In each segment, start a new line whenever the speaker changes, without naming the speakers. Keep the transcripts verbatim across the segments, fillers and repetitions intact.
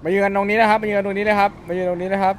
มายืนตรงนี้นะครับมายืนตรงนี้นะครับมายืนตรงนี้นะครับ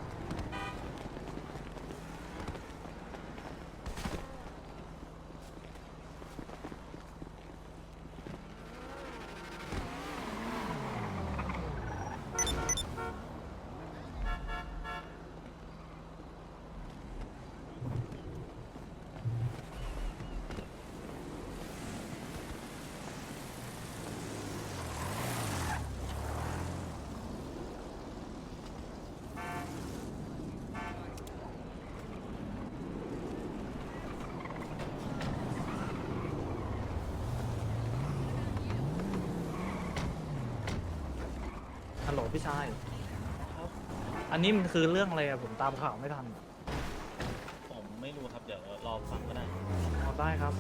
ฮัลโหลพี่ชายอันนี้มันคือเรื่องอะไรอะผมตามข่าวไม่ทัน
ผมไม่รู้ครับเดี๋ยวรอฟังก็ได้
เอาได้ครับ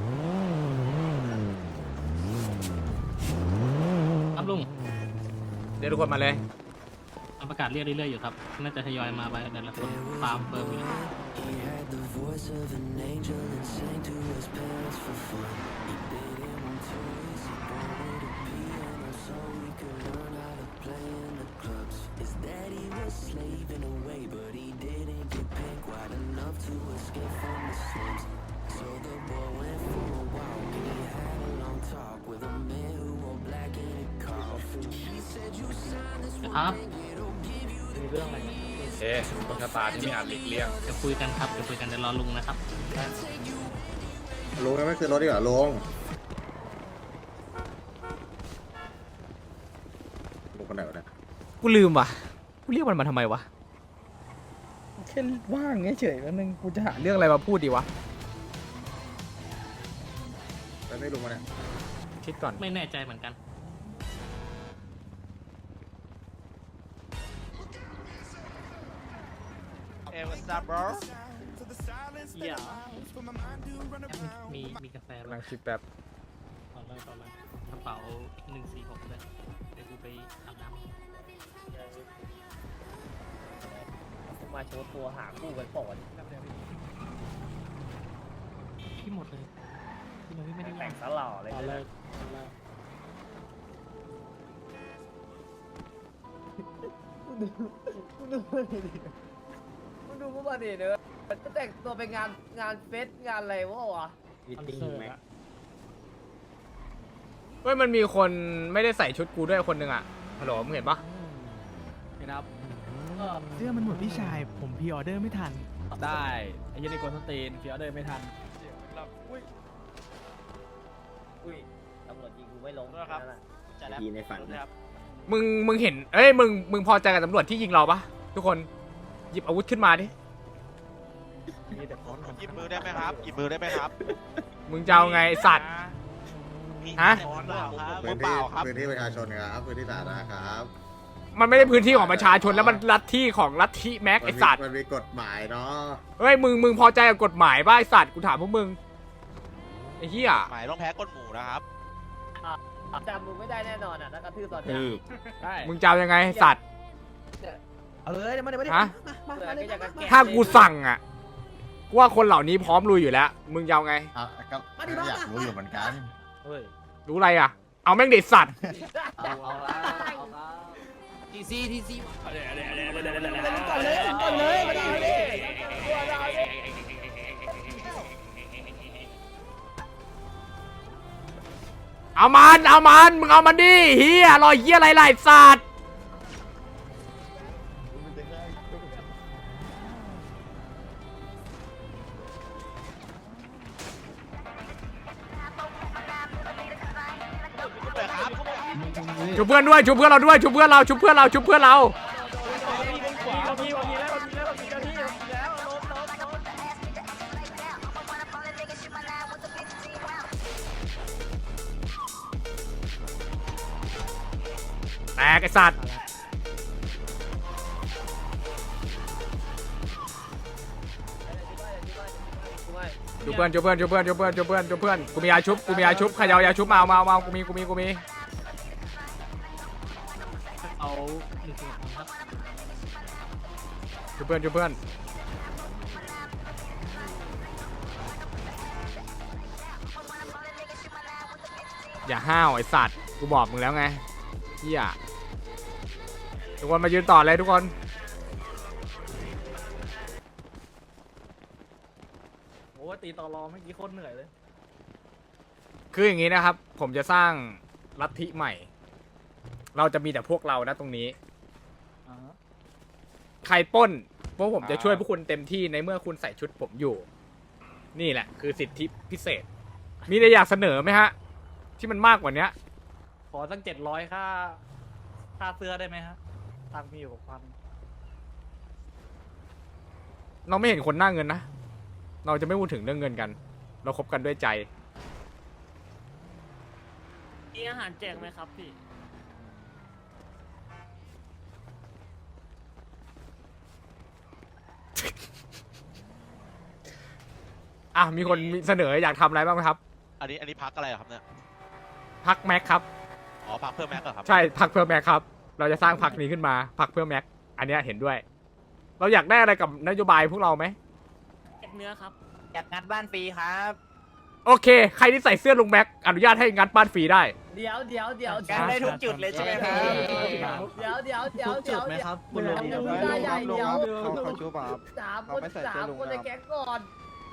ครับลุง
เดี๋ยวทุกคนมาเลย
ประกาศเรียกเรื่อยๆอยู่ครับ น่าจะทยอยมาไปแต่ละคนตามเฟิร์มอยู่ ครับ
มีเรื่องอะไร
เอ๊ะต้นชะตาที่ไม่อาจหลีกเลี่ยง
จะคุยกันครับจะคุยกันเดี๋ยวรอลุงนะครับ
ลุงยังไม่คือรถดีกว่าลุงลุงคนไหนวะเนี่ย
กูลืมว่ะกูเรียกมันมาทำไมวะแค่ว่างเฉยๆแล้วนึงกูจะหาเรื่องอะไรมาพูดดีวะ
แล้วไม่ลุงมาเนี่ย
คิดก่อน
ไม่แน่ใจเหมือนกัน
Hey what's up bro
เหี้ยมีมีกาแฟ
กำ
ไหม
ลังคิดแบบ
ต่อเลยต่อเลยกระเป๋าหนึ่งสี่หกเลยเดี๋ยวกูไปอาบน้ำ
มาโชว์ตัวหาคู่กันก่อน
พี่หมดเลยพี่หมดพี่ไม่ได้
แต่งสลอเลย
ต่อเลย
มึงดูมันดิมึงดูพวกมันดิเนอะจะแต่งตัวไปงานงานเฟสงานอะไรวะวะ
คอนเสิร์ตอะ
เฮ้ยมันมีคนไม่ได้ใส่ชุดกูด้วยคนหนึ่งอ่ะฮัลโหลมึงเห็นปะ
ครับเสื้อมันหมดพี่ชาย ผมพรีออเดอร์ไม่ทัน
ได้ไอ้ยันนี่โกนสตีนเฟียเดินไม่ทันอุ้ยตำรวจยิงกูไม่ลงนะครับจะแล้ว
ทีในฝัน
มึงมึงเห็นเอ้ยมึงมึงพอใจกับตำรวจที่ยิงเราปะทุกคนหยิบอาวุธขึ้นมาดิ
มีแต่พร้อมกัน
หยิบมือได้ไหมครับหยิบมือได้ไหมครับ
มึงจะเอาไงไอ้สัตว์ ฮะ
มือเปล่าครับมื
พื้
อน เป
ที่
ล่าครับ
พื้นที่ประชาชนครับพื้นที่สาธารณะครับ
มันไม่ได้พื้นที่ของประชาชนแล้วมันลัทธิของลัทธิแม็กไอสัตว์
มันมีกฎหมายเนาะ
เฮ้ยมึงมึงพอใจกับกฎหมายป่ะไอสัตว์กูถามพวกมึงไอ้เหี้ย
หมายต้องแพ้ก้นหมูนะครับ
จำมึงไม่ได้แน่นอนอ่ะถ้ากระทืบตอนนี้ใช่
มึงจะเอายังไงไอ้สัตว์
เอาเลยมาเดี๋ยวมาเดี๋ยว
ฮะ
มามาเลย
ถ้ากูสั่งอ่ะกูว่าคนเหล่านี้พร้อมลุยอยู่แล้ว มึงจะเอาไง
อ่ะก็อยากรู้อยู่เหมือนกัน
เฮ้ย
รู้อะไรอ่ะ เอาแม่งเด็ดสัตว์
เอาเอาละเอาละ
ทีซีทีซี
ก่อนเลยก่อนเลยมาดิมาดิ
เอามันเอามันมึงเอามันดิเฮียรอยเฮียอะไรล่ะไอ้สัตว์ชุบเพื่อนด้วยชุบเพื่อนเราด้วยชุบเพื่อนเราชุบเพื่อนเราชุบเพื่อนเราแตกไอ้สัตว์ชุบเพื่อนชุบเพื่อนชุบเพื่อนชุบเพื่อนชุบเพื่อนชุบเพื่อนกูมียาชุบกูมียาชุบใครเอายาชุบมาเอามาเอามากูมีกูมีกูมี
เอาหนึ่งสี่หกครับ
ชุบเพื่อนชุบเพื่อนอย่าห้าวไอ้สัตว์กูบอกมึงแล้วไงเฮียทุกคนมายืนต่อเลยทุกคนโอ้ตีต่อรอเมื่อกี้โคตรเหนื่อยเลยคืออย่างนี้นะครับผมจะสร้างลัทธิใหม่ เราจะมีแต่พวกเรานะตรงนี้ใครปล้นพวกผมจะช่วยพวกคุณเต็มที่ในเมื่อคุณใส่ชุดผมอยู่นี่แหละคือสิทธิพิเศษมีอะไรอยากเสนอไหมฮะที่มันมากกว่านี้ขอตั้งเจ็ดร้อยค่าค่าเสื้อได้ไหมฮะตังค์มีอยู่พันเราไม่เห็นคนหน้าเงินนะเราจะไม่พูดถึงเรื่องเงินกันเราคบกันด้วยใจ
มีอาหารแจกไหมครับพี่
อ่ะมีคนมีเสนออยากทำอะไรบ้างไหมครับ
อันนี้อันนี้พักอะไรเหรอครับเนี่ย
พักแม็กครับ
อ๋อพักเพื่อแม็กเหรอครับ
ใช่พักเพื่อแม็กครับ เราจะสร้างพักนี้ขึ้นมาพักเพื่อแม็กอันเนี้ยเห็นด้วย เราอยากได้อะไรกับนโยบายพวกเราไหม
เก็บเนื้อครับ
อยากงัดบ้านฟรีครับ
โอเคใครที่ใส่เสื้อลุงแม็กอนุญาตให้งัดบ้านฟรีได้
เดี๋ยวเดี๋ยวเดี๋ยว
งัดได้ทุกจุดเลยใช่ไหมครับ
เดี๋ยวเดี๋ยวเดี๋ยวเดี๋ยว
ไหมครับ
เดี๋ยวเดี๋ยวเดี๋ยวใหญ่เดี๋ยว
เขาเขาชูป่ะครับ
สามคนสามคนในแก๊งก่อน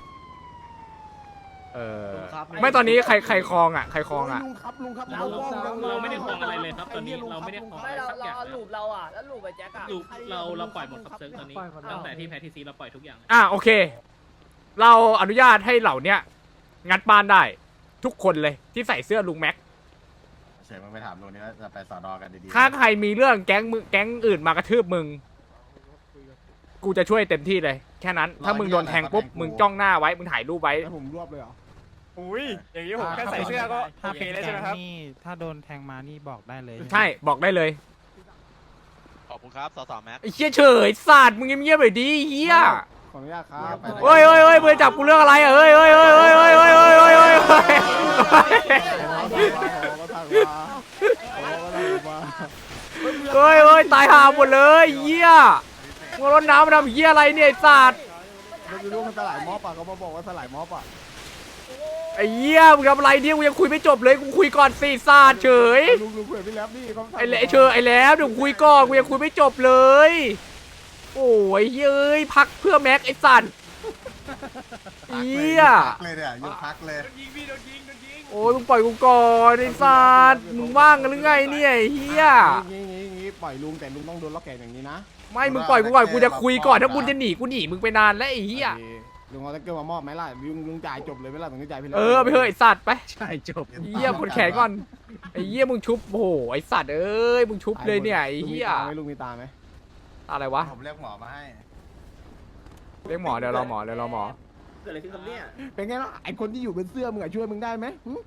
เออไม่ตอนนี้ใครใครคลองอ่ะใครคลองอ่ะ
ลุงครับลุงครับ
เราเราไม่ได้คลองอะไรเลยครับตอนนี้เราไม่ได้คลอง
ไม่
อะไร
เรา
สักอ
เรา
ย่าง
เอา
เลย
ลูปเราอ่ะแล้วลูปไปแจ็คอ่ะ
ลูกเราเราปล่อยหมดครับเซิร์ฟตอนนี้ตั้งแต่ที่แพทีซีเราปล่อยทุกอย่าง
อ่ะโอเค เราอนุญาตให้เหล่าเนี้ยงัดบ้านได้ทุกคนเลยที่ใส่เสื้อลุงแม็ก
เฉยมึงไปถามลุงนี่ว่าจะไปสอนอกันดีๆ
ถ้าใครมีเรื่องแก๊งมึงแก๊งอื่นมากระทืบมึง กูจะช่วยเต็มที่เลย แค่นั้น ถ้ามึงโดนแทงปุ๊บ มึงจ้องหน้าไว้ มึงถ่ายรูปไว้
แล้วผมรวบเลยเหรอ
อุ้ยอย่างนี้ผมแค่ใส่เสื้อก็โอเคเลยใช่ไหมครับ
นี่ถ้าโดนแทงมานี่บอกได้เลย
ใช่ บอกได้เลย
ขอบคุณครับสสแม็ก
ไอ้เชี่ยเฉยสัตว์มึงเงียบๆหน่อยดิเฮีย
ขออนุญาตครับ
เฮ้ยเฮ้ยเฮ้ยมึงจับกูเรื่องอะไรอ่ะเฮ้ยเฮ้ยเฮ้ยเฮ้ยเฮ้ยเฮ้ยเฮ้ยเฮ้ยเฮ้ยเฮ้ยเฮ้ยตายห่าหมดเลยเฮียมึงรดน้ำมาทำเฮียอะไรเนี่ยไอ้สัตว์
ไม่รู้มันสลายม็อบอ่ะเขามาบอกว่าสลายม็อบอ่ะ
ไอ้เหี้ยมึงทำอะไรเนี่ยกูยังคุยไม่จบเลยกูคุยก่อนสิซาดเฉย
ลุงลุงคุยกับพี่แล็บนี่เขา
ไอ้เละไอ้เชยไอ้แล้วเดี๋ยวคุยก่อนกูยังคุยไม่จบเลย โอ้ยเย้ยพักเพื่อแม็กไอ้สัตว์เหี้ย
พักเลยเนี่ยยกพักเลย
โอ้ยมึงปล่อยกูก่อนไอ้สัตว์มึงว่างกันหรือไงเนี่ยไอ้เหี้ย
งี้งี้งี้ปล่อยลุงแต่ลุงต้องโดนล็อกแขนอย่างนี้นะ
ไม่มึงปล่อยกูก่อนกูจะคุยก่อนถ้ามึงจะหนีกูหนีมึงไปนานแล้วไอ้เหี้ย
ลุงเอาตะเกียบมามอบไหมล่ะลุงลุงจ่ายจบเลยไหมล่ะตรงนี้จ่ายพี่แล็บ
เออไปเถอะไอ้สัตว์ไป
ใช่จบ
เหี้ยกดแขนก่อนไอ้เหี้ยมึงชุบโอ้โหไอ้สัตว์เอ้ยมึงชุบเลยเนี่ยไอ้เหี้ย
ลุงมีตาไหม
อะไรวะ
ผมเรียกหมอมาให้
เรียกหมอเดี๋ยวรอหมอเดี๋ยวรอหมอ
เกิดอะไรขึ้นกับเนี่ย
เป็นไงล่ะไอคนที่อยู่บนเสื้อมึงอะช่วยมึงได้ไหม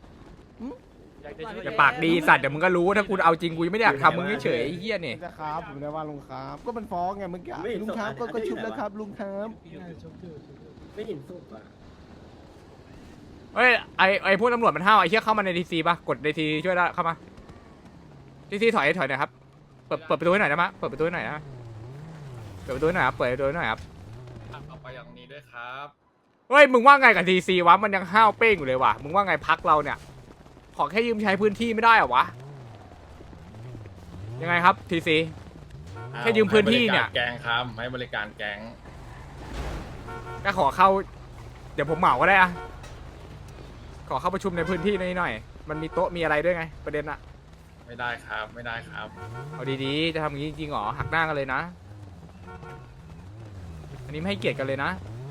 อย่าปากดีสัตว์เดี๋ยวมึงก็รู้ถ้ากูเอาจริงกูยังไม่ได้อยากทำมึงเฉยๆไอ้เหี้ยเนี่ย
จะครับผมได้ว่าลุงครับก็มันฟ้องไงเมื่อกี้ลุงครับก็ก็ชุบแล้วครับลุงครับ
ไม่เห็นสุกอ่ะ
เฮ้ยไอไอพวกตำรวจมันห้าวไอเหี้ยเข้ามาในทีซีป่ะกดในทีช่วยได้เข้ามาทีซีถอยถอยหน่อยครับเปิดเปิดประตูให้หน่อยได้ไหมเปิดประตูให้หน่อยนะเปิดประตูให้หน่อยครับเปิดประตูให้หน่อยครับ
เอาไปอย่างนี้ด้วยครับ
เฮ้ยมึงว่าไงกับทีซีวะมันยังห้าวเป้งอยู่เลยว่ะมึงว่าไงพักเราเนี่ยขอแค่ยืมใช้พื้นที่ไม่ได้เหรอวะยังไงครับทีซี แค่ยืมพื้นที่เนี่ย
ให้บริการแกงครับให้บริการแกง
ก็ขอเข้าเดี๋ยวผมเหมาก็ได้อะขอเข้าประชุมในพื้นที่นี้หน่อยมันมีโต๊ะมีอะไรด้วยไงประเด็นอะ
ไม่ได้ครับไม่ได้ครับ
เอาดีๆ จะทำอย่างนี้จริงๆหรอ หักหน้ากันเลยนะ อันนี้ไม่ให้เกียรติกันเลยนะ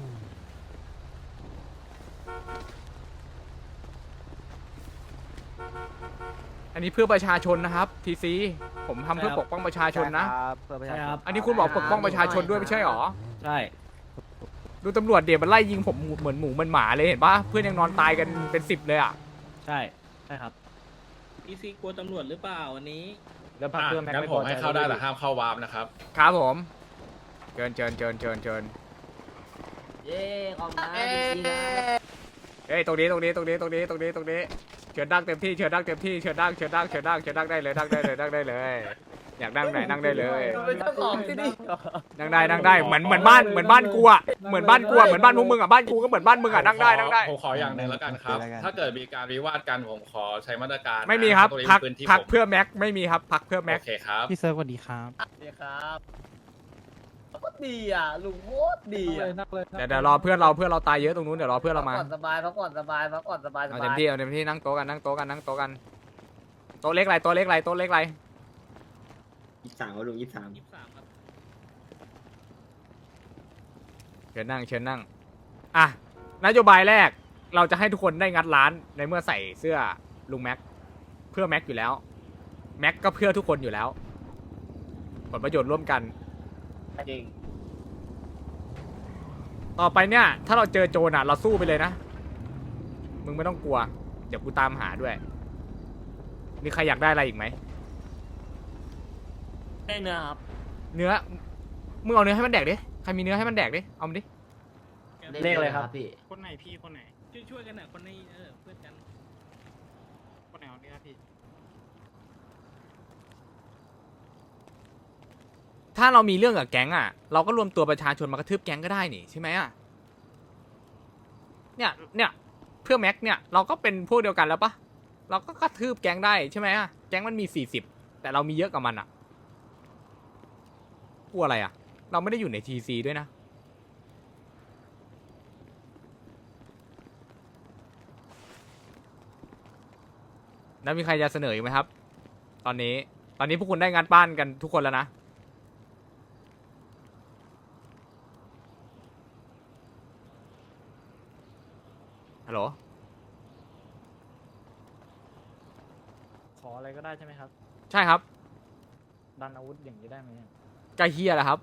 อันนี้เพื่อประชาชนนะครับทีซีผมทำเพื่อปกป้องประชาชนนะ อันนี้คุณบอกปกป้องประชาชนด้วยไม่ใช่หรอ
ใช่
ดูตำรวจเดี๋ยวมันไล่ยิงผมเหมือนหมูเหมือนหมาเลยเห็นปะเพื่อนยังนอนตายกันเป็นสิบเลยอ่ะ
ใช่ใช่ครับพี่ซีกลัวตำรวจหรือเปล่าวันนี้
แล้วพักเพื่อนแม็ก
งั้น
ไม่
ผ
พ
ม
อใจ
ให้เข้าได้แต่ห้ามเข้าวาร์ปนะครับ
ครับผมเชิญเชิญเชิญเชิญเชิญ
เย้ขอบคุณนะ
เฮ้ยตรงนี้ตรงนี้ตรงนี้ตรงนี้ตรงนี้ตรงนี้เชิญดังเต็มที่เชิญดังเต็มที่เชิญดังเชิญดังเชิญดังเชิญดังได้เลยดังได้เลยดังได้เลยอยากนั่งไหนนั่งได้เลย
เราเป็นเจ้าของที่นี่
นั่งได้นั่งได้เหมือนเหมือนบ้านเหมือนบ้านกูอะเหมือนบ้านกูอะเหมือนบ้านพวกมึงอะบ้านกูก็เหมือนบ้านมึงอะนั่งได้นั่งได้
ผมขออย่างหนึ่งแล้วกันครับ ถ้าเกิดมีการวิวาทกันผมขอใช้มาตรการนะ
ไม่มีครับ
ตงนี้
พัก
เป็นพื้นที่
พัก
ผม
เพื่อแม็กไม่มีครับพักเพื่อแม็ก
โอเคครับ
พี่เซิร์ฟสวัสดีครับ
ดีครับโคตรดีอ่ะลุงโคตรดีอ่ะ
เดี๋ยวเดี๋ยวรอเพื่อนเราเพื่อนเราตายเยอะตรงนู้นเดี๋ยวรอเพื่อนเรามา
พักผ่อนสบายพักผ่อนสบายพักผ่อนสบายส
เอา
บา
เต็ม
ย
ที่เอาเต็มที่นั่งโต๊ะกันนั่งโต๊ะกันนั่งโต๊ะกันโต๊ะเล็กไรโต๊ะเล็กไรโต๊ะเล็กไร
ยี่สิบสามครับลุงยี่สิบสาม
ยี่สิบสามครับ
เชิญนั่งเชิญนั่งอ่ะนโยบายแรกเราจะให้ทุกคนได้งัดร้านในเมื่อใส่เสื้อลุงแม็กเพื่อแม็กอยู่แล้วแม็กก็เพื่อทุกคนอยู่แล้วผลประโยชน์ร่วมกัน
จริง
ต่อไปเนี่ยถ้าเราเจอโจรอ่ะเราสู้ไปเลยนะมึงไม่ต้องกลัวเดี๋ยวกูตามหาด้วยมีใครอยากได้อะไรอีกไหม
ได้เนื้อครับ
เนื้อมึงเอาเนื้อให้มันแดกดิใครมีเนื้อให้มันแดกดิเอามาดิ
เลขอะไรครับพี่
คนไหนพี่คนไหน ช่วยช่วยกันหน่อยคนในเออเพื่อนกัน คนไหนเอาเนื้อพี่
ถ้าเรามีเรื่องกับแก๊งอ่ะเราก็รวมตัวประชาชนมากระทืบแก๊งก็ได้นี่ใช่ไหมอ่ะเนี่ยเนี่ยเพื่อแม็กเนี่ยเราก็เป็นพวกเดียวกันแล้วปะเราก็กระทืบแก๊งได้ใช่ไหมอ่ะแก๊งมันมีสี่สิบแต่เรามีเยอะกว่ามันอ่ะกลัวอะไรอ่ะเราไม่ได้อยู่ในทีซีด้วยนะแล้วมีใครจะเสนออีกไหมครับตอนนี้ตอนนี้พวกคุณได้งานบ้านกันทุกคนแล้วนะฮัลโหล
ขออะไรก็ได้ใช่ไหมครับ
ใช่ครับ
ดันอาวุธอย่างนี้ได้ไหม
กาเฮียแหละครับ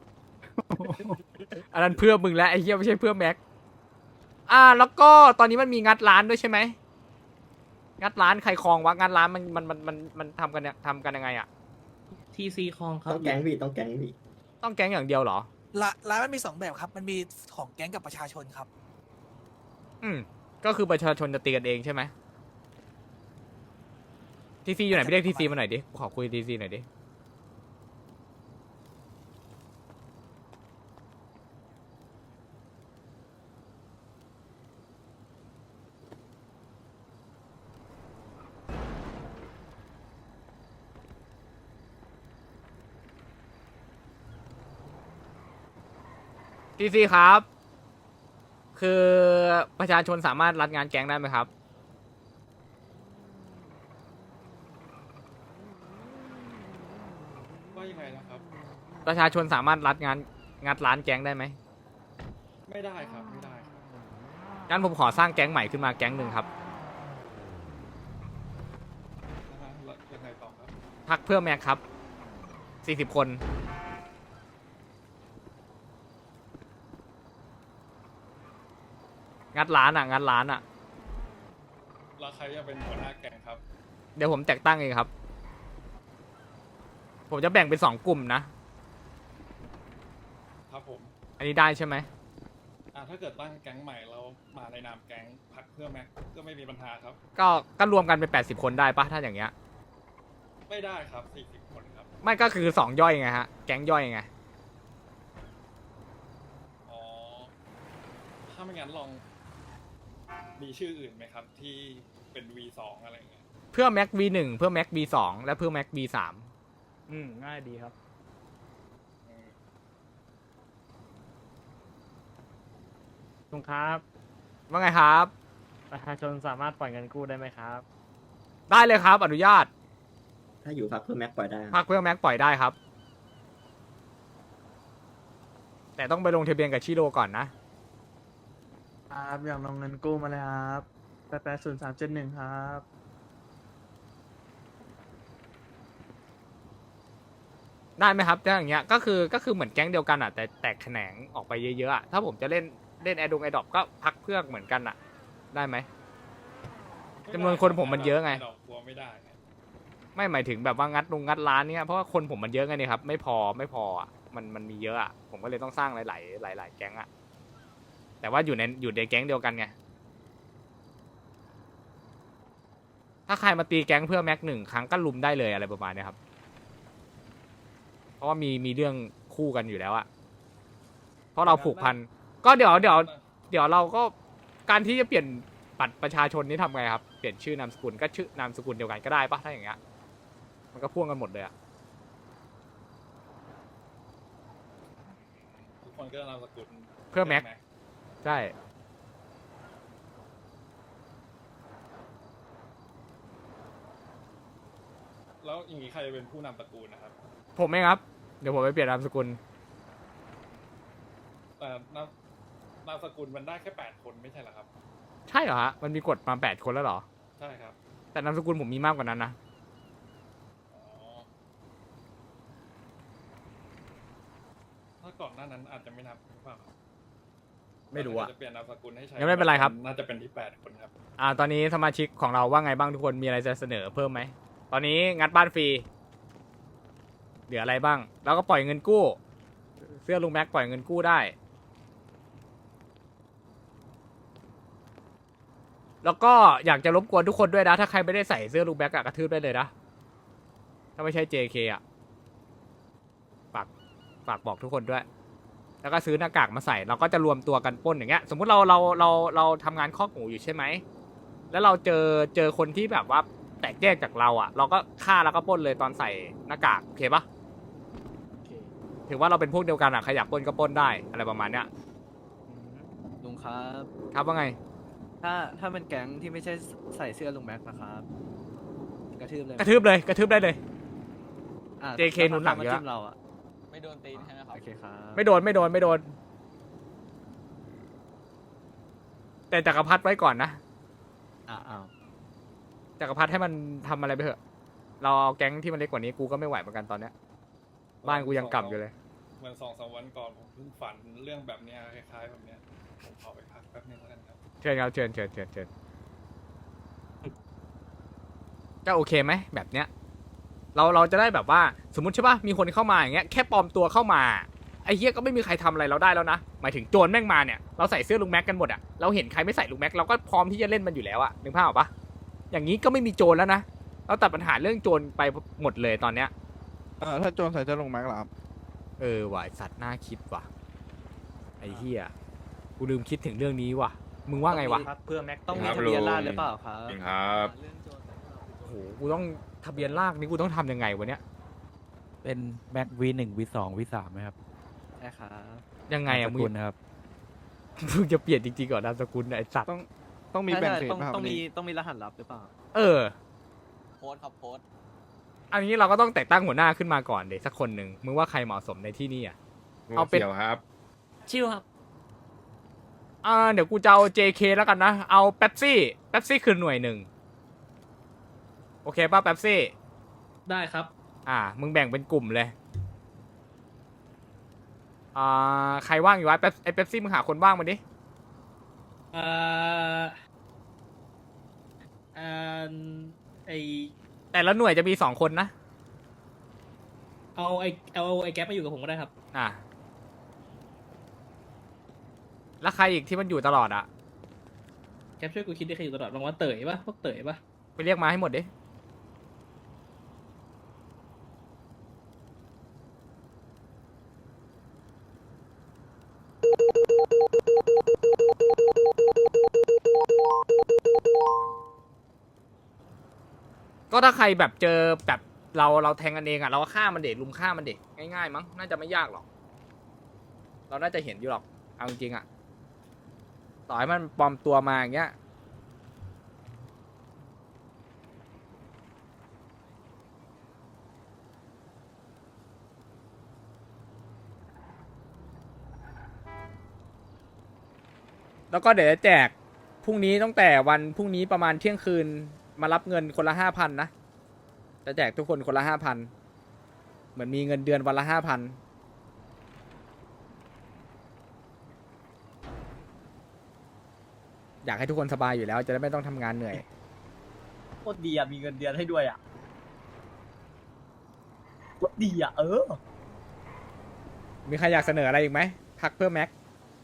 อันนั้นเพื่อมึงแล้วไอ้เฮียไม่ใช่เพื่อแม็กอ่าแล้วก็ตอนนี้มันมีงัดร้านด้วยใช่ไหมงัดร้านใครคลองวะงัดร้านมันมันมันมันมันทำกันเนี่ยทำกันยังไงอะ
ทีซีคองครับ
ต้องแก๊งพี่ต้องแก๊งพี่
ต้องแก๊งอย่างเดียวเหรอ
ละร้านมันมีสองแบบครับ มันมีของแก๊งกับประชาชนครับ
อืมก็คือประชาชนจะตีกันเองใช่ไหมทีซีอยู่ไหนไปเรียกทีซีมาหน่อยดิขอคุยทีซีหน่อยดิทีซีครับ คือประชาชนสามารถรัดงานแก๊งได้ไหมครับ
ว่ายังไงนะครับ
ประชาชนสามารถรัดงานงัดร้านแก๊งได้ไหม
ไม่ได้ครับไม่ได้ครับ
งั้นผมขอสร้างแก๊งใหม่ขึ้นมาแก๊งหนึ่งครับ
ยังไงต่อครับ
พักเพื่อแม็กครับสี่สิบคนงัดร้านอ่ะงัดร้านอ่ะ
แล้วใครจะเป็นหัวหน้าแก๊งครับ
เดี๋ยวผมแต่งตั้งเองครับ ผมจะแบ่งเป็นสองกลุ่มนะ
ครับผม
อันนี้ได้ใช่ไหม
อ่าถ้าเกิดตั้งแก๊งใหม่เรามาในนามแก๊งพักเพื่อแม็กก็ไม่มีปัญหาครับ
ก็ก็รวมกันเป็นแปดสิบคนได้ปะถ้าอย่างเงี้ย
ไม่ได้ครับสี่สิบคนครับ
ไม่ก็คือสองย่อยไงฮะ แก๊งย่อยไง
อ๋อ ถ้าไม่งั้นลองมีชื่ออื่นไหมครับ ที่เป็น วี สอง อะไรเงี้ย
เพื่อแม็ก วี หนึ่ง เพื่อแม็ก วี สอง และเพื่อแม็ก วี สาม
อืม ง่ายดีครับ
อืม
ลุงครับ
ว่าไงครับ
ประชาชนสามารถปล่อยเงินกู้ได้ไหมครับ
ได้เลยครับ อนุญาต
ถ้าอยู่พักเพื่อแม็กปล่อยได้ครับ
พักเพื่อแม็กปล่อยได้ครับ แต่ต้องไปลงทะเบียนกับชิโร่ก่อนนะ
ครับอยากลงเงินกู้มาเลยครับแปดแปดศูนย์สามเจ็ดหนึ่งครับ
ได้ไหมครับถ้าอย่างเงี้ยก็คือก็คือเหมือนแก๊งเดียวกันอ่ะแต่แตกแขนงออกไปเยอะๆอ่ะถ้าผมจะเล่นเล่นแอดดงแอดดอปก็พักเพื่อเหมือนกันอ่ะ ได้ไหม จำนวนคนผมมันเยอะไง
ดอกบัวไม่ได้ไง
ไม่หมายถึงแบบว่างัดลงงัดร้านเนี้ยเพราะว่าคนผมมันเยอะไงนี่ครับไม่พอไม่พออ่ะมันมันมีเยอะอ่ะผมก็เลยต้องสร้างหลายๆหลาย ๆ แก๊งอ่ะแต่ว่าอยู่ในอยู่ในแก๊งเดียวกันไงถ้าใครมาตีแก๊งเพื่อแม็กหนึ่งครั้งก็ลุมได้เลยอะไรประมาณเนี้ยครับเพราะว่ามีมีเรื่องคู่กันอยู่แล้วอะเพราะเราผูกพันก็เดี๋ยวเดี๋ยวเดี๋ยวเราก็การที่จะเปลี่ยนบัตรประชาชนนี่ทำไงครับเปลี่ยนชื่อนามสกุลก็ชื่อนามสกุลเดียวกันก็ได้ปะถ้าอย่างเงี้ยมันก็พ่วงกันหมดเลยอะ
ทุกคนก็นามสกุล
เพื่อแม็ก ใช่
แล้วอย่างนี้ใครจะเป็นผู้นำตระกูลนะครับ
ผมเองครับ เดี๋ยวผมไปเปลี่ยนนามสกุล
แต่นามนามสกุลมันได้แค่แปดคนไม่ใช่เหรอครับ
ใช่เหรอฮะมันมีกฎมาแปดคนแล้วเหรอ
ใช่ครับ
แต่นามสกุลผมมีมากกว่านั้นนะ
อ๋อถ้าก่อนหน้านั้นอาจจะไม่นับหรือเปล่าครับ
ไม่รู้อะ
จะเปลี่ยนนามสกุลให้ใช้
งั้นไม่เป็นไรครับ
น่าจะเป็นที่แปดคนครับ
อ่าตอนนี้สมาชิกของเราว่าไงบ้างทุกคนมีอะไรจะเสนอเพิ่มไหมตอนนี้งัดบ้านฟรีเหลืออะไรบ้าง แล้วก็ปล่อยเงินกู้ เสื้อลุงแม็กปล่อยเงินกู้ได้ แล้วก็อยากจะรบกวนทุกคนด้วยนะถ้าใครไม่ได้ใส่เสื้อลุงแม็กอะกระทืบได้เลยนะถ้าไม่ใช่ เจ เค อะฝากฝากบอกทุกคนด้วย แล้วก็ซื้อหน้ากากมาใส่เราก็จะรวมตัวกันปล้นอย่างเงี้ยสมมุติเราเราเราเราทำงานคอกหมูอยู่ใช่ไหมแล้วเราเจอเจอคนที่แบบว่าแตกแยกจากเราอ่ะ เราก็ฆ่าแล้วก็ปล้นเลยตอนใส่หน้ากากโอเคปะถือว่าเราเป็นพวกเดียวกันอ่ะใครอยากปล้นก็ปล้นได้อะไรประมาณเนี้ย
ลุงครับ
ครับว่าไง
ถ้าถ้าเป็นแก๊งที่ไม่ใช่ใส่เสื้อลุงแม็กนะครับกระทืบเลย
กระทืบเลยกระทืบได้เลย
อ่ะ
เจ เค หนุนหลังเยอะ
ถ้าขามาจิ้มเราอ่ะ
ไม่โดนตีนใช่ไหมครับ
โอเคครับ
ไม่โดนไม่โดนไม่โดน แต่จักรพรรดิไว้ก่อนนะ
อ่าอ้าว
จักรพรรดิให้มันทำอะไรไปเถอะ เราเอาแก๊งที่มันเล็กกว่านี้กูก็ไม่ไหวเหมือนกันตอนเนี้ยบ้านกูยังกลับอยู่เลย
เหมือนสองสามวันก่อนผมเพิ่งฝันเรื่องแบบเนี้ยคล้ายๆแบบเนี้ยผมขอไปพักแป๊บนึงแล้วกันครับ
เชิญครับเชิญเชิญเชิญเชิญก็โอเคไหมแบบเนี้ย เราเราจะได้แบบว่าสมมติใช่ป่ะมีคนเข้ามาอย่างเงี้ยแค่ปลอมตัวเข้ามาไอ้เหี้ยก็ไม่มีใครทำอะไรเราได้แล้วนะหมายถึงโจรแม่งมาเนี่ยเราใส่เสื้อลุงแม็กกันหมดอะเราเห็นใครไม่ใส่ลุงแม็กเราก็พร้อมที่จะเล่นมันอยู่แล้วอะนึกภาพออกปะอย่างนี้ก็ไม่มีโจรแล้วนะเราตัดปัญหาเรื่องโจรไปหมดเลยตอนเนี้ย
เออถ้าโจรใส่เสื้อลุงแม็กเหรอครับ
เออว่ะไอ้สัตว์น่าคิดว่ะไอ้เหี้ยกูลืมคิดถึงเรื่องนี้ว่ะมึงว่าไงวะ
เพื่อแม็กต้องมีทะเบียนราษฎร์หรือเปล่าครับ
ครับ
โอ้โหกูต้องทะเบียนลากนี่กูต้องทำยังไงวะเนี้ย
เป็นแม็กวีหนึ่งวีสองวีสามไหมครับ
ใช่ครับ
ยังไงอะ
นาม
มึ
ส
ง
กุลนะครับ
มึงจะเปลี่ยนจริงๆก่อนนามสกุลเนี่ยไอ้สัตว์
ต้องต้องมีแบ่งเขต
ต้อง
ป่ะครับ
ต้อง
วัน
มี
นี้
ต้องมีรหัสลับหรือเปล่า
เออ
โพสต์ครับโพสต์
อันนี้เราก็ต้องแต่งตั้งหัวหน้าขึ้นมาก่อนเด็กสักคนหนึ่งมึงว่าใครเหมาะสมในที่นี่อ่ะ เอาเป็น
ครับ
ชิวครับ
อ่าเดี๋ยวกูจะเอา เจ เค แล้วกันนะ เอาเป๊ปซี่เป๊ปซี่คือหน่วยหนึ่งโอเคป่ะเป๊ปซี่
ได้ครับ
อ่า มึงแบ่งเป็นกลุ่มเลย อ่า ใครว่างอยู่วะเป๊ปไอเป๊ปซี่มึงหาคนว่างมาดิ
เอ่อเอ่อไอ
แต่ละหน่วยจะมีสองคนนะ
เอาไอเอาไอแก๊ปมาอยู่กับผมก็ได้ครับ
อ่า แล้วใครอีกที่มันอยู่ตลอดอ่ะ
แก๊ปช่วยกูคิดได้ใครอยู่ตลอดบางวันเต๋ยปะพวกเต๋ยปะ
ไปเรียกมาให้หมดดิ ก็ถ้าใครแบบเจอแบบเราเราแทงกันเองอ่ะ เราก็ฆ่ามันเด็ดลุมฆ่ามันเด็ดง่ายๆมั้งน่าจะไม่ยากหรอก เราน่าจะเห็นอยู่หรอกเอาจริงๆอ่ะ ต่อให้มันปลอมตัวมาอย่างเงี้ย แล้วก็เดี๋ยวจะแจกพรุ่งนี้ตั้งแต่วันพรุ่งนี้ประมาณเที่ยงคืนมารับเงินคนละห้าพันนะจะแจกทุกคนคนละห้าพันเหมือนมีเงินเดือนวันละห้าพันอยากให้ทุกคนสบายอยู่แล้วจะได้ไม่ต้องทำงานเหนื่อย
โคตรดีอ่ะ มีเงินเดือนให้ด้วยอ่ะโคตรดีอ่ะ เออ
มีใครอยากเสนออะไรอีกไหมพักเพื่อแม็ก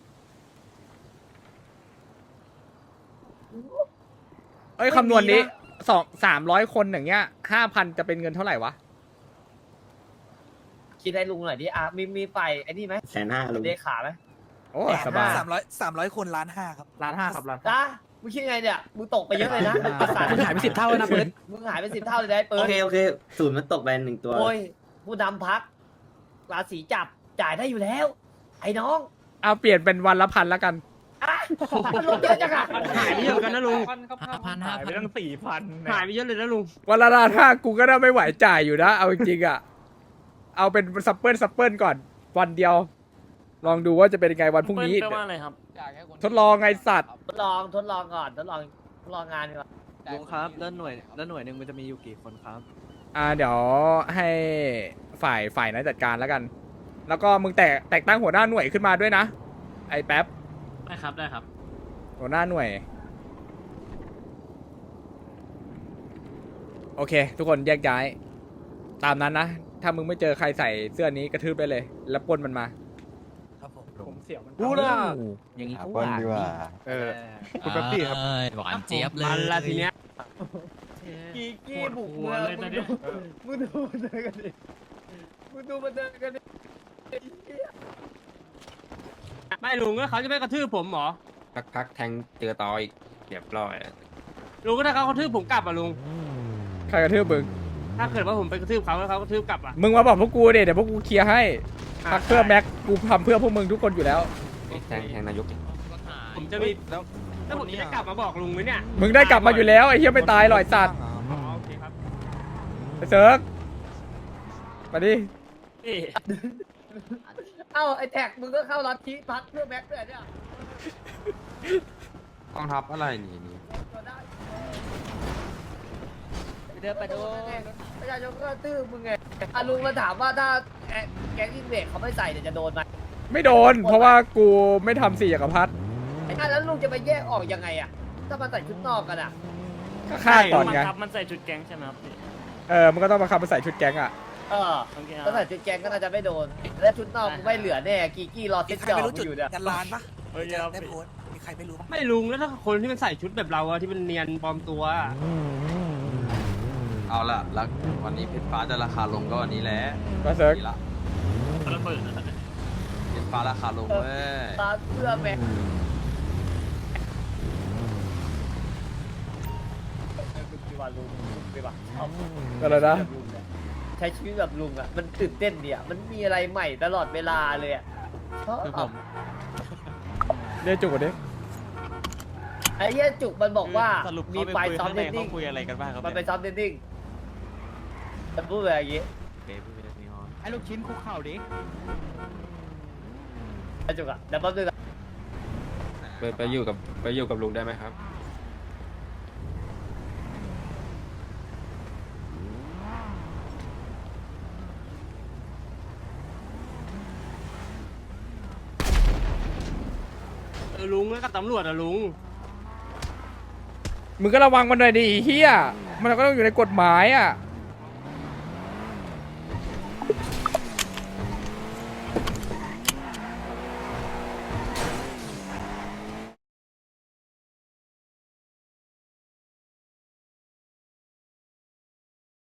เอ้ยคำนวณนี้สองสามร้อยคนอย่างเงี้ยห้าพันจะเป็นเงินเท่าไหร่วะ
คคิดให้ลุงหน่อยดิอ่ะมีมีไฟไอ้นี่ไหม
แสนห้าลุง
เลขาไหม
โอ้สบาย
สามร้อยสามร้อยคนล้านห้าครับ
ล้านห้าครับล้านห้า
จ้ามึงคิดไงเนี่ยมึงตกไปเยอะเลยนะประสาท
คุณหายไปสิบเท่าแล้วนะเปิด
มึงหายไปสิบเท่าเลยนะไอ้เปิ
โอ
ด
เคโอเคศูนย์มันตกไปหนึ่งตัว
โอ้ยผู้นำพักราศีจับจ่ายได้อยู่แล้ว ไอ้น้อง
เอาเปลี่ยนเป็นวันละพันแล้วกัน
อ่ะมันลดเยอะจังอะ
หายไปเยอะกันนะลุง
ห้าพันห้า
หายไป
พัน
ตั้งสี่พัน
หายไปเยอะเลยนะลุง
วันละล้านห้ากูก็ได้ไม่ไหวจ่ายอยู่นะ เอาจริงๆอ่ะ เอาเป็นซัปเปิลซัปเปิลก่อน วันเดียว ลองดูว่าจะเป็นยังไงวันพรุ่งนี้
แปลว่าอะไรครับ
ทดลองไงสัตว์
ทดลองทดลองก่อนทดลองทดลองงานก่อน
ลุงครับแล้วหน่วยแล้วหน่วยหนึ่งมันจะมีอยู่กี่คนครับ
อ่าเดี๋ยวให้ฝ่ายฝ่ายนั้นจัดการแล้วกัน แล้วก็มึงแตกแตกตั้งหัวหน้าหน่วยขึ้นมาด้วยนะ ไอ้แป๊บ
ได้ครับได้ครับ
หัวหน้าหน่วย โอเค ทุกคนแยกย้าย ตามนั้นนะ ถ้ามึงไม่เจอใครใส่เสื้อนี้กระทืบไปเลย แล้วปล้นมันมา
ครับผม
ผมเสียวมัน
กูน่ะ
อย่างนี้
หาปล้นดีกว่า
เออคุณแป๊บปี้ครับ
หวานเจี๊ยบเลย
มันละทีเนี้ย
กีกี้บุก
หัว
เมือง
เลย
มึ
ตอน
ง
เนี้
ดู
ย
มึงดูมันเดินกันดิมึงดูมันเดินกันดิ
ไม่ลุงก็เขาจะไม่กระทืบผมเหรอ
พักพักแทงเจอต่ออีกเรียบร้อย
ลุงก็ถ้าเขากระทืบผมกลับอ่ะลุง
ใครกระทืบมึง
ถ้าเกิดว่าผมไปกระทืบเขาแล้วเขากระทืบกลับอ่ะ
มึงมาบอกพวกกูเดี๋ยวเดี๋ยวพวกกูเคลียร์ให้พักเพื่อแม็ก กูทำเพื่อพวกมึงทุกคนอยู่แล้ว
แทงแทงนายก
ผมจะมีแล้วแล้วผมจะได้กลับมาบอกลุงไหมเนี่ย
มึงได้กลับมาอยู่แล้วไอ้เหี้ยไม่ตายหรอกไอ้สัตว์
อ๋อโอเคครับ
ไอ้เซิร์กมาดิ
นี่
เอ้าไอ้แท็กมึงก็เข้าลัทธิพักเพื่อแม็กซ์ด้วยเนี่ย
กองทัพอะไรนี่นี่
เดินไปดูประชาชนก็ตื้อมึงไงอ่ะลุงมาถามว่าถ้าแก๊งแก๊งอินเวดเขาไม่ใส่เนี่ยจะโดนไหม
ไม่โดน เพราะว่ากูไม่ทำสี่จักรพรรดิ
ไอ้นั่นแล้วลุงจะไปแยกออกยังไงอ่ะถ้ามาใส่ชุดนอกกันอ่ะ
ก็ฆ่าก่อนไง
ครับมันใส่ชุดแก๊งใช่ไหมครับพี่
เออ มันก็ต้องมาขับมาใส่ชุดแก๊งอ่ะ
เออ
โอเคค
ถ้า
รับ
ใส่ชุดแกงก็น่าจะไม่โดน และชุดนอกกูไม่เหลือแน่กีกี้รอ
มี
ติด
ใคร
จอ
ไม่รู้จุด
อยู่เนี่ย
ยันร้านปะ
โอเคครับ
ได้โพสต์มีใครไม่รู้ปะ
ไม่ลุงแล้วถ้าคนที่มันใส่ชุดแบบเราอะที่มันเนียนปลอมตัวอะ
เอาละแล้ววันนี้เพชรฟ้าจะราคาลงก็วันนี้แหละ
ก็เซิร์ก
ดีละ
ระเบิดอะ
เพชรฟ้าราคาลงเว้ย
ตาเสื้อแม็กดีว่าลุงดีว่าชอบ
อะไรนะ
แบบลุงเนี่ยใช้ชีวิตแบบลุงอ่ะ มันตื่นเต้นดีอ่ะ มันมีอะไรใหม่ตลอดเวลาเลยอ่ะชอบ
คือผม
เรียกจุกก่อนดิ
ไอ้เหี้ยจุกมันบอกว่า
สรุป
มี
เขา
ไฟ
ไปคุย
ซ้อม
ข้างใน
เดนดิ้
เขา
ง
คุยอะไรกันบ้างครับ
มันไป
เนี่ย
ซ้อมเดนดิ้งมันพูดแบบอย่างงี้
เบบี้เบบี้ฮอน
ไอ้ลูกชิ้นคุกเข่าดิ
ไอ้จุกอ่ะเดี๋ยวแป๊บนึงอะ
ไปไปอยู่กับไปอยู่กับลุงได้ไหมครับ
เออลุงแล้วกับตำรวจอะลุง
มึงก็ระวังมันหน่อยดิไอ้เฮียมันก็ต้องอยู่ในกฎหมายอ่ะ